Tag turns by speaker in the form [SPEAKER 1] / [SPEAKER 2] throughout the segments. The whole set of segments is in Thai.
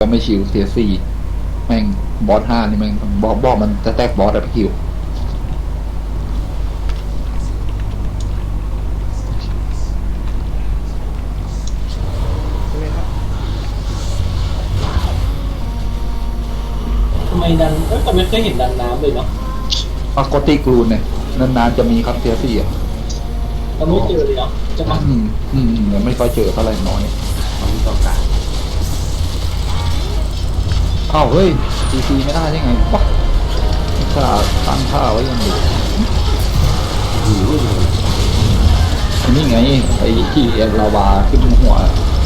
[SPEAKER 1] ก็ไม่ชิวเสียสี่แม่งบอสห้านี่แม่งบอสมันจะแตกบอสอะพี่คิว
[SPEAKER 2] เลยครับ
[SPEAKER 3] ทำไมดันแต่ไม่เคยเห็นดันน้ำเลยเนาะ
[SPEAKER 1] ปกติกรูนเนี่ยนานๆจะมีครับเสียสี่อ่ะ
[SPEAKER 3] เราไม่เจอเลยเนาะจะมา
[SPEAKER 1] ยังไม่ค่อยเจอเท่าไหร่น้อย
[SPEAKER 4] ของต่อการ
[SPEAKER 1] อ้าวเฮ้ยซีไม่ได้ยังไงวะค่าตั้งค่าไว้ยังอยู่
[SPEAKER 4] หิวเลย
[SPEAKER 1] อันนี้ไงไอ้ที่ลาวาขึ้นหัว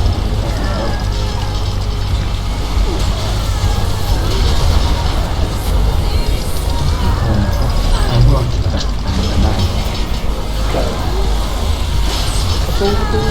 [SPEAKER 4] ไอ้พวกจัดการกันได้
[SPEAKER 2] ประตู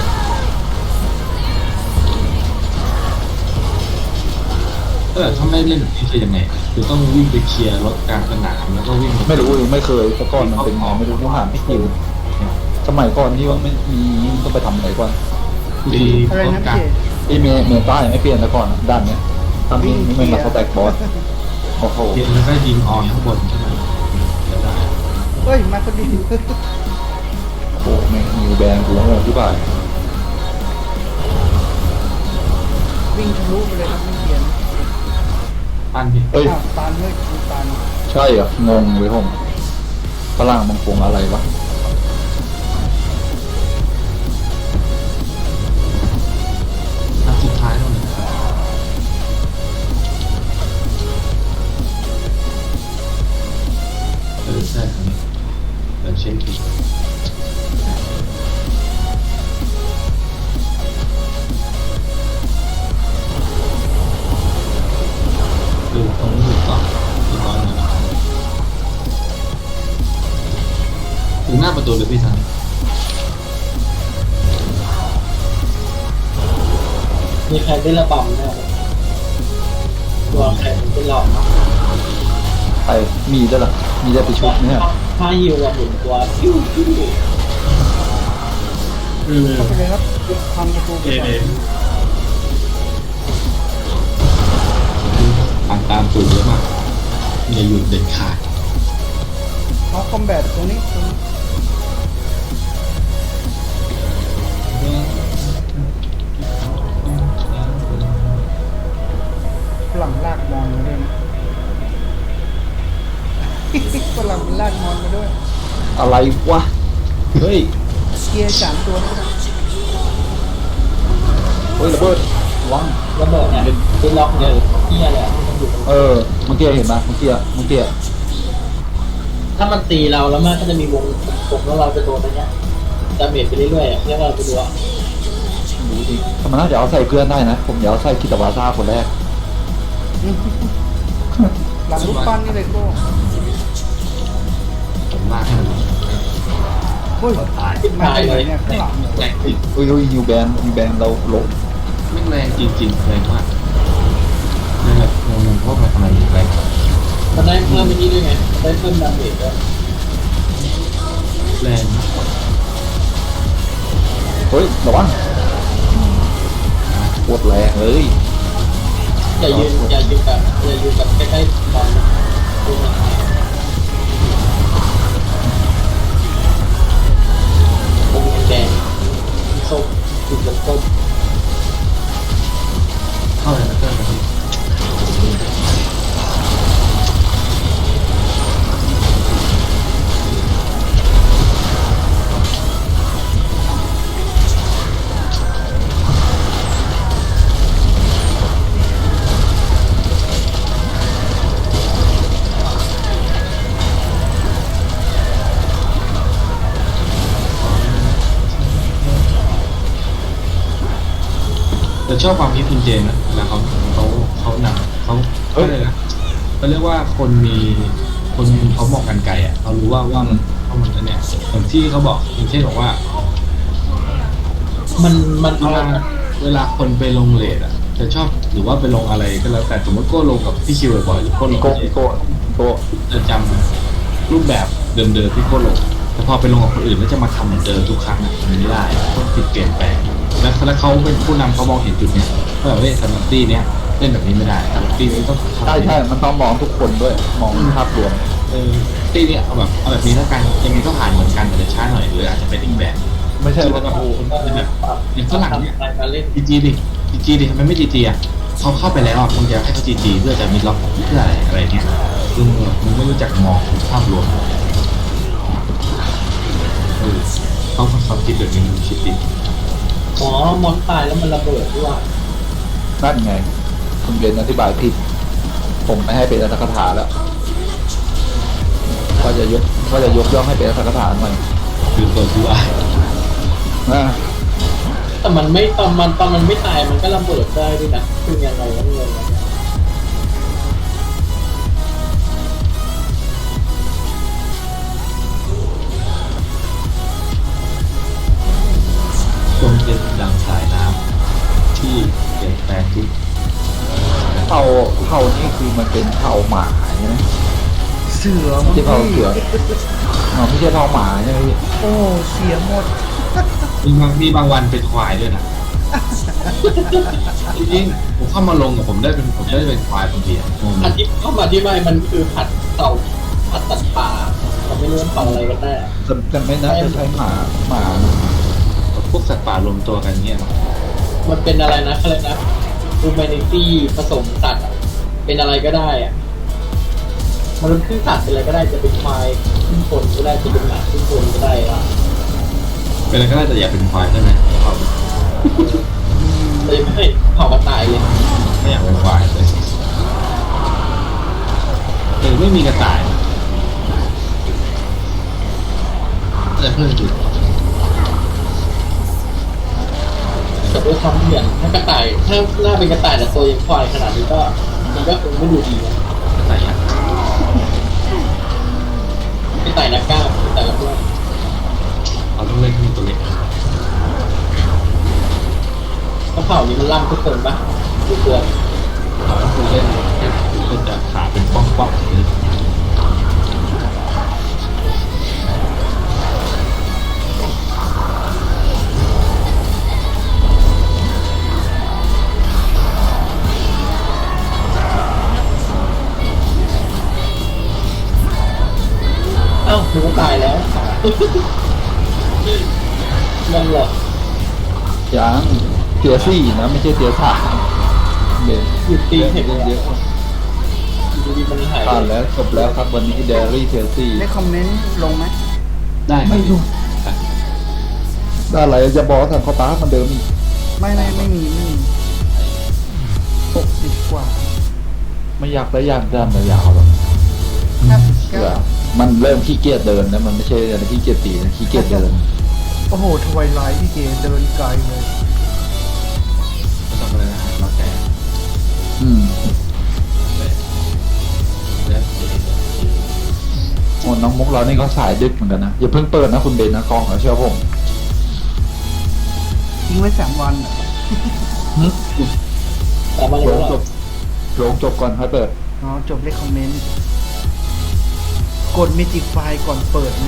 [SPEAKER 4] ถ้าไม่เล่นแบบนี้คือยังไงคือต้องวิ่งไปเคลียร์รถกลางสนามแล้วก็วิ่ง
[SPEAKER 1] ไม่รู้ไม่เคยแต่ก่อนมันเป็นไงไม่รู้ผู้หาไม่คิวสมัยก่อนที่ว่าไม่มีต้องไปทำอะไรก่อน
[SPEAKER 4] ตี
[SPEAKER 2] อะไร
[SPEAKER 4] รถ
[SPEAKER 2] นะ
[SPEAKER 4] กลาง
[SPEAKER 2] พี่
[SPEAKER 1] ที่เมต้ายังไม่เปลี่ยนแต่ก่อนด้านเนี้ยทำนี่ไม่มาสแต็กบอสโอ้โห
[SPEAKER 4] เคลียร์แล้วก็ยิงออนข้างบนใช่ไหมเดี๋ยวได้
[SPEAKER 2] เฮ้ยมาพอดี
[SPEAKER 1] โอ้โหแม่งนิวแบนกูงงที่บ่าย
[SPEAKER 2] วิ่งทะลุไปเลยครับไม่เปลี่ยน
[SPEAKER 4] ปั้นพี่
[SPEAKER 1] เฮ้ย
[SPEAKER 2] อ้าวตันเฮ้ยดูตัน
[SPEAKER 1] ใช่เหรองงเลยผมฝรั่งบางคงอะไรวะ
[SPEAKER 4] นัดสุดท้ายเท่านั้นใช่ครับเดี๋ยวเช็คอีกตรงนี้ต่ออีกร้อยหนึ่งถึงหน้าประตูเลยพี่ทัน
[SPEAKER 3] มีใครได้ระบำเนี่ยตัวใครเป็นหลอด
[SPEAKER 1] ไปมีด้วยเหรอมีได้ไปชุดเนี่ย
[SPEAKER 3] ถ้าฮิวเราหมุนตัวพิ้วพิ้ว
[SPEAKER 2] เข้าไปเลยครับทำประตูไปก่อน
[SPEAKER 4] ตามสูตรเยอะมากอย่าหยุดเด็ดขาด
[SPEAKER 2] เอาคอมแบทตรงนี้ฝรั่งลากมอนมาด้วยนะ ฝรั่งมันลากมอนมาด้วย
[SPEAKER 1] อะไรวะเฮ้ย
[SPEAKER 2] เกียร์3 ตัวนะครับ
[SPEAKER 1] เฮ้ยระเบิดวัง
[SPEAKER 3] ระเบิดเนี่ยเป็นล็อกเนี่ยเฮียเลยมันอยู่
[SPEAKER 1] เออเมื่อกี้เห็นไหมเมื่อกี้
[SPEAKER 3] ถ้ามันตีเราแล้วมันก็จะมีวงแล้วเราจะโดนอะไรเงี้ยดาเมจไปเรื่อยๆเรียกว่าไปดูอ่ะ
[SPEAKER 1] ดูดิถ้ามันน่าจะเอาใส่เพื่อนได้นะผมอยากเอาใส่คิตาวาซ่าคนแรก
[SPEAKER 2] หลังลูกปั้นนี่เลยโก้
[SPEAKER 4] ผมลากให้มัน
[SPEAKER 2] เฮ้ย
[SPEAKER 4] ตาย
[SPEAKER 2] มาจากไหนเนี่ยข้างหลังเหรอ
[SPEAKER 4] แรงจริง
[SPEAKER 1] เฮ้ยนิวแบนเราลง
[SPEAKER 4] ไม่แรงจริงๆแรงมากนั่นแหละงงพวกมันทำไมแรง
[SPEAKER 3] มันได้เพิ่มไปนี่ด้วยไงได้เพิ่มดาเมจด้วย
[SPEAKER 4] แรงมาก
[SPEAKER 1] เฮ้ยระวังปวดแรงเลย
[SPEAKER 3] อย่ายืนแบบใกล้ๆบอลดูมันวงแดงส้มจุดส้ม
[SPEAKER 4] เข้าเลยนะเพื่อนพี่แต่ชอบความคิดคุณเจนนะเวลาเขาหนักเขาเลยนะเขาเรียกว่าคนเขามองกันไกลอ่ะเขารู้ว่ามันเนี่ยอย่างที่เขาบอกอย่างเช่นบอกว่า
[SPEAKER 3] มัน
[SPEAKER 4] เวลาคนไปลงเลทอ่ะจะชอบหรือว่าไปลงอะไรก็แล้วแต่สมมติโก้ลงกับพี่คิวบ่อยๆหรือโก้ลง
[SPEAKER 1] โก
[SPEAKER 4] กับ
[SPEAKER 1] โกโก
[SPEAKER 4] จะจำรูปแบบเดิมๆที่โก้ลงแต่พอไปลงกับคนอื่นแล้วจะมาทำเหมือนเดิมทุกครั้งอ่ะมันไม่ได้ต้องติดเปลี่ยนแปลงแล้วเขาเป็นผู้นำเขามองเห็นจุดเนี้ยว่าแบบเฮ้ยสำหรับตี้เนี้ยเฮ้ยล่นแบบนี้ไม่ได้แต่ตีนี้ต้อง
[SPEAKER 1] ใช่ใช่มันต้องมองทุกคนด้วย มองภาพรวม
[SPEAKER 4] ตีนี้เอาแบบนี้แล้วกันยังไงก็ผ่านเหมือนกันแต่จะช้าหน่อยหรืออาจจะเป็นอีกแบบ
[SPEAKER 1] ไม่ใช่ว่า
[SPEAKER 4] แบบ
[SPEAKER 1] โอ้
[SPEAKER 4] อย่างฝรั่งเนี่ย
[SPEAKER 3] การเล่น
[SPEAKER 4] จีดิทำไมไม่จีอ่ะเขาเข้าไปแล้วอ่ะคงจะให้เขาจีเพื่อจะมีล็อกเพื่ออะไรเงี้ยคือมึงไม่รู้จักมองภาพรวมเขาคิดแบบนี้มันคิดดิ
[SPEAKER 3] อ๋อมอนตายแล้วมันระเบิดด้วย
[SPEAKER 1] นั่นไง คุณเบนอธิบายผิด ผมไม่ให้เป็นอัตถกถาแล้วก็จะยกย่องให้เป็นอัตถกถาหน่อย
[SPEAKER 4] คือตัวที่ว่า
[SPEAKER 1] นะ
[SPEAKER 3] แต่มันไม่ตอนมันไม่ตายมันก็ระเบิดได้ด้วยนะคือยังไงวะเงิน
[SPEAKER 4] จงเป็นดังสายน้ำที่เปลี่ยนแปลงทุก
[SPEAKER 1] เผ่านี่คือมันเป็นเผ่าหมาใช่ไหม
[SPEAKER 2] เสือ
[SPEAKER 1] ไม่
[SPEAKER 2] มั้ง
[SPEAKER 1] ใช่เผ่า
[SPEAKER 2] พี่
[SPEAKER 1] เสืออ๋อไม่ใช่เผ่าหมาใช่ไหมพี่
[SPEAKER 2] โอ้เสียหมด
[SPEAKER 4] มีบางวันเป็นควายด้วยนะจริงๆผมเข้ามาลงผมได้เป็นควายบางทีอ่ะ
[SPEAKER 3] อันที่เข้ามาที่ไม่มันคือผัดเต่าผัดตัดปลาเราไม่รู้ว่าเต่าอะไรกันแน่
[SPEAKER 1] แต่ไม่น่าจะใช้หมา
[SPEAKER 4] พวกสัตว์ป่ารวมตัวกันเงี้ย
[SPEAKER 3] มันเป็นอะไรนะอะไรนะ humanity ผสมสัตว์อะเป็นอะไรก็ได้อะมันเป็นครึ่งสัตว์เป็นอะไรก็ได้จะเป็นควายครึ่งคนก็ได้จะเป็นหมาครึ่งคนก็ได้อะ
[SPEAKER 4] เป็นอะไรก็ได้แต่อย่าเป็นควายใช่ไหม
[SPEAKER 3] เลยไม่เผากระต่ายเลย
[SPEAKER 4] ไม่อยากเป็นควายเลยไม่มีกระต่ายแต่เพื่อนจุด
[SPEAKER 3] แต่ด้วยความเหมือนถ้ากระต่ายถ้าหน้าเป็นกระต่ายแต่ตัวยังควายขนาดนี้ก็มันก็คงไม่ดูดีนะ
[SPEAKER 4] กระต่ายยักษ์
[SPEAKER 3] กระต่ายนักกล้ามกระต่ายนักกล้าม
[SPEAKER 4] เราต้องเล่นขึ้นตัวเล็ก
[SPEAKER 3] กระเผานี้มันล่ำทุกคนปะทุกตัว
[SPEAKER 4] เราต้องเล่นก็จะขาเป็นป้องๆเลย
[SPEAKER 3] เอ้าหนูก็ตายแล้วนั่นแหละ
[SPEAKER 1] ยังเตียสี่นะไม่ใช่เตียสามเบน
[SPEAKER 3] หยุดตีเห็น
[SPEAKER 1] เยอะ
[SPEAKER 3] ดูดีมันหาย
[SPEAKER 1] ผ่านแล้วจบแล้วครับวันนี้เดลี่เตียสี่
[SPEAKER 2] ได้คอมเมนต์ลงไหม
[SPEAKER 4] ได้
[SPEAKER 1] ไม่รู้ได้อะไรจะบอกทางเขาตามันเดิมอีก
[SPEAKER 2] ไม่มี60 กว่า
[SPEAKER 1] ไม่อยากได้ยางด้านยาวหรอก เสือมันเริ่มขี้เกียจเดินนะมันไม่ใช่อะไรขี้เกียจตีนะขี้เกียจเดิน
[SPEAKER 2] โอ้โหทวายไลท์พี่เจเดินไกลเลย
[SPEAKER 4] ไม่ต้องเลยนะเราแต่
[SPEAKER 1] อืม
[SPEAKER 4] แล้ว
[SPEAKER 1] โอ้น้องมุกเรานี่เขาสายดึกเหมือนกันนะอย่าเพิ่งเปิดนะคุณเบนนะกล้องเขาเชื่อผม
[SPEAKER 2] ทิ้งไว้3 วันอะ
[SPEAKER 3] แต่มา
[SPEAKER 1] ล
[SPEAKER 3] เร็ว
[SPEAKER 1] ง
[SPEAKER 3] แล้ว
[SPEAKER 1] จบลงจบก่อนค่อยเปิด
[SPEAKER 2] อ๋อจบได้คอมเมนต์กดเมจิกไฟก่อนเปิดนะ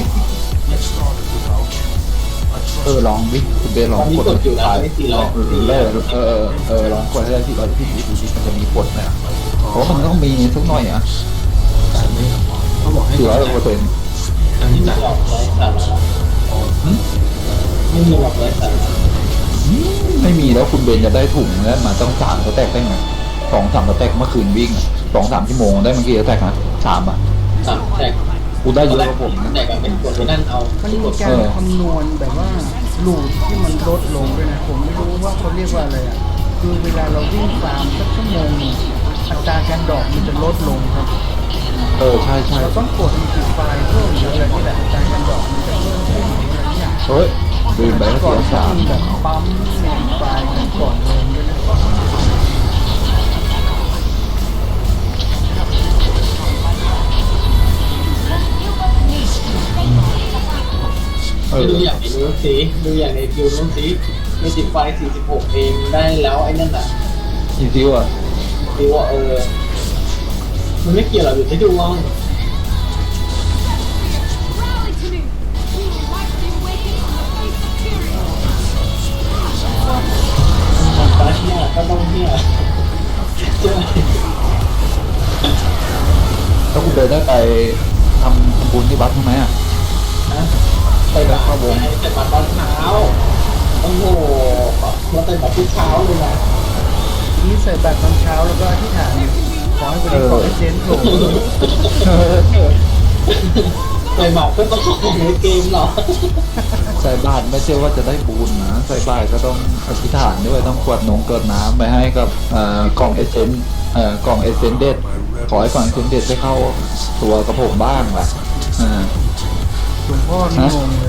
[SPEAKER 1] ลองวิคุณเบนล
[SPEAKER 3] ต
[SPEAKER 1] อ
[SPEAKER 3] อง นนี้
[SPEAKER 1] กด
[SPEAKER 3] กดอยู่นะ
[SPEAKER 1] สาย
[SPEAKER 3] ไม่400
[SPEAKER 1] ลองลองกดให้ได้ที่เราที่ดูที่มันจะมีกดไหมอ่ะเพราะมันต้องมีสักหน่อยอ่ะ
[SPEAKER 4] แต่ไม่เขาบอกให้
[SPEAKER 1] 400%
[SPEAKER 4] อัน
[SPEAKER 3] ไม่
[SPEAKER 4] นี้
[SPEAKER 3] มี
[SPEAKER 4] จ่าย
[SPEAKER 3] หลอกไร้สาระไม่มีหลอกไร้สาระ
[SPEAKER 1] ไม่มีแล้วคุณเบนจะได้ถุงแล้วมาต้อง3 สเต็กได้ไง2-3 สเต็กเมื่อคืนวิ่ง2-3 ชั่วโมงได้เมื่อกี้สเต็กนะ3อ่ะ
[SPEAKER 3] สามแตก
[SPEAKER 1] กูได้เยอะกว่าผมนะ
[SPEAKER 3] แตกกับเป็นคนไปนั่นเอา
[SPEAKER 2] มันมีการคำนวณแบบว่าลูดที่มันลดลงด้วยนะผมไม่รู้ว่าเขาเรียกว่าอะไรอ่ะคือเวลาเราวิ่งฟาร์มสักชั่วโมงหนึ่งอัตราการดอกมันจะลดลงครับ
[SPEAKER 1] ใช่ใช่
[SPEAKER 2] เราต้องกดเมจิกไฟเพิ่มหรืออะไรนี่แหละอัตราการดอกมันจะเพิ่มขึ้นอะไรอย่าง
[SPEAKER 1] เฮ้ยลืมไปว่า
[SPEAKER 2] ก่อน
[SPEAKER 1] เสีย
[SPEAKER 2] จะ
[SPEAKER 1] สาม
[SPEAKER 2] มีแบบปั๊มเมจิกไฟกันก่อนลงด้วยนะ
[SPEAKER 3] ดูอย่างในนู้นสิดูอย่างในคิวนู้นสิไม่ติดไฟ46เองได้แล้วไอ้นั่นน่ะ
[SPEAKER 1] อีซิวอ่ะ
[SPEAKER 3] คิวว่ามันไม่เกี่ยวหรอกอยู่ที่ดวง
[SPEAKER 5] Rally to me! We like to awaken from the face of tyranny!
[SPEAKER 3] มันตาเที่ยก็ต้องเที่ยช่วย
[SPEAKER 1] แล้วคุณเบนได้ไปทำบุญที่วัดทำไมอ่ะ
[SPEAKER 3] นะไปแบบเข้าวงใส่บาตรตอนเช้าโอ้โหเราใส่บาตรทุกเช้าเลยนะ
[SPEAKER 2] นี่ใส่บาตรตอนเช้าแล้วก็อธิษฐานขอให้วันนี้ขอให้เจนโผล่
[SPEAKER 3] ใส่บาตรก็ต้องของในเกมเหรอ
[SPEAKER 1] ใส่บาตรไม่ใช่ว่าจะได้บุญนะใส่บาตรก็ต้องอธิษฐานด้วยต้องกรวดกรวดน้ำไปให้กับกล่องเอเซนกล่องเอเซนเดดขอให้กล่องเอเซนเดดได้เข้าตัวกระผมบ้างแหละอ่า
[SPEAKER 2] หลวงพ่อนี่งงเลย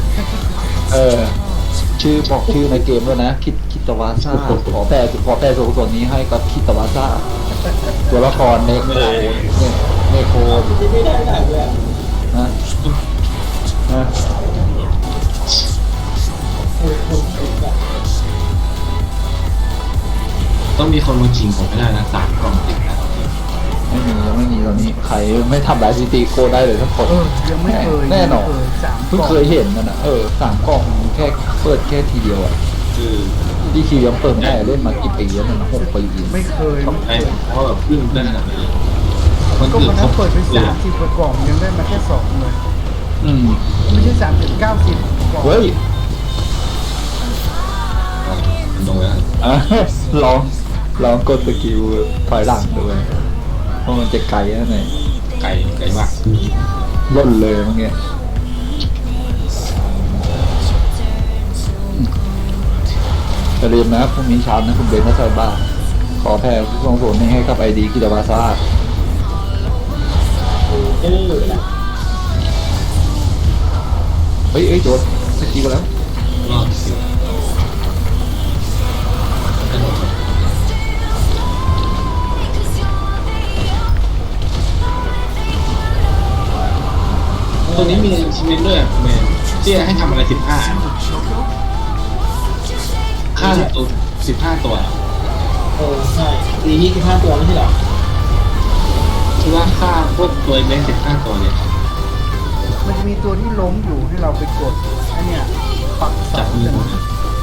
[SPEAKER 1] ชื่อบอกชื่อในเกมด้วยนะคิตวาซ่าขอแปลส่วนนี้ให้กับคิตวาซ่าตัวละครเนโคเนโค
[SPEAKER 3] ไม่ได้เลยอะ
[SPEAKER 1] นะนะ
[SPEAKER 3] คนติดอะ
[SPEAKER 4] ต้องมีคนมาชิงผมไม่ได้นะ3 กล่องติดนะ
[SPEAKER 1] ไม่มีตอนนี้ใครไม่ทำลายซิตี้โกได้เลยทั้งคน
[SPEAKER 2] ยังไม่เคย
[SPEAKER 1] แน่นอน
[SPEAKER 2] ยังไม่เคยสาม
[SPEAKER 1] เพิ่งเคยเห็นนั่นนะ3 กล่องแค่เปิดแค่ทีเดียวอ่ะ
[SPEAKER 4] คือ
[SPEAKER 1] ที่ทีเดียวเปิดได้เล่นมากี่ปีแล้วมัน6 ปี
[SPEAKER 2] ไม่เคย
[SPEAKER 4] ต้องได้เพราะแบบขึ้นได้ขนาดนี้คน
[SPEAKER 2] ก็
[SPEAKER 4] อื่
[SPEAKER 2] วัน นนั้นเปิดไป
[SPEAKER 4] เลย
[SPEAKER 2] 30 กว่ากล่องยังได้มาแค่2เลย
[SPEAKER 1] อืม
[SPEAKER 2] ไม่ใช่30 90กล่อง
[SPEAKER 1] เฮ้ย
[SPEAKER 4] มันโดนแล้ว
[SPEAKER 1] อ่ะลองกดสกิลถอยหลังด้วยเพราะมันจะไกลนะเนี่ย
[SPEAKER 4] ไก่มาก
[SPEAKER 1] ล่นเลยเมื่อกี้อย่าลืมนะพรุ่งนี้เช้านะคุณเบนซ์ใส่บ้านขอแผ่ผู้ทรงผลให้กับไอดีกิตาวาซ่า
[SPEAKER 3] เออนะ
[SPEAKER 1] เฮ้ยโดนสกิลแล้ว
[SPEAKER 4] รอดสิตัวนี้มีชิมเมนด้วยแมนที่ให้ทำอะไร15 อันค่าตัว15 ตัว
[SPEAKER 3] ใช่ปีนี้15 ตัวไม่ใช่เหรอ
[SPEAKER 4] คือว่าค่าพวกตัวเล็ก15 ตัวเนี่ย
[SPEAKER 2] มันจะมีตัวที่ล้มอยู่ให้เราไปกดอันเนี้ยปักเสา
[SPEAKER 4] จับมือ
[SPEAKER 2] เนี่ย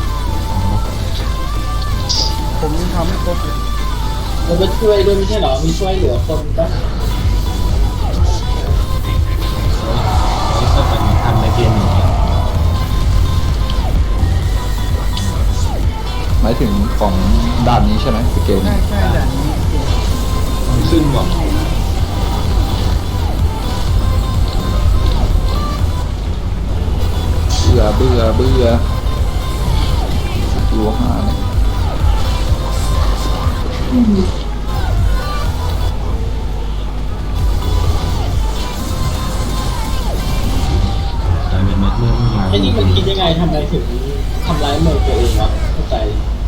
[SPEAKER 2] ผมยังทำไม่ครบเลย
[SPEAKER 3] มันก็ช่วยด้วยไม่ใช่เหรอ มีช่วยเหลือคนปะ
[SPEAKER 4] นี่ก็เป็นทำในเกมอย่างเงี้ย
[SPEAKER 1] หมายถึงของด้านนี้ใช่ไหมสเกล
[SPEAKER 2] ใช่
[SPEAKER 1] นี้
[SPEAKER 2] ใช่ด่านนี้
[SPEAKER 4] มันขึ้นบอก
[SPEAKER 1] เบื่อสกิล5เนี่ย
[SPEAKER 4] แต่เป็นเมื่อมา
[SPEAKER 3] ไอ้นี่มันคิดยังไงทำไมถึงทำร้ายเมืองตัวเองวะเข้าใจ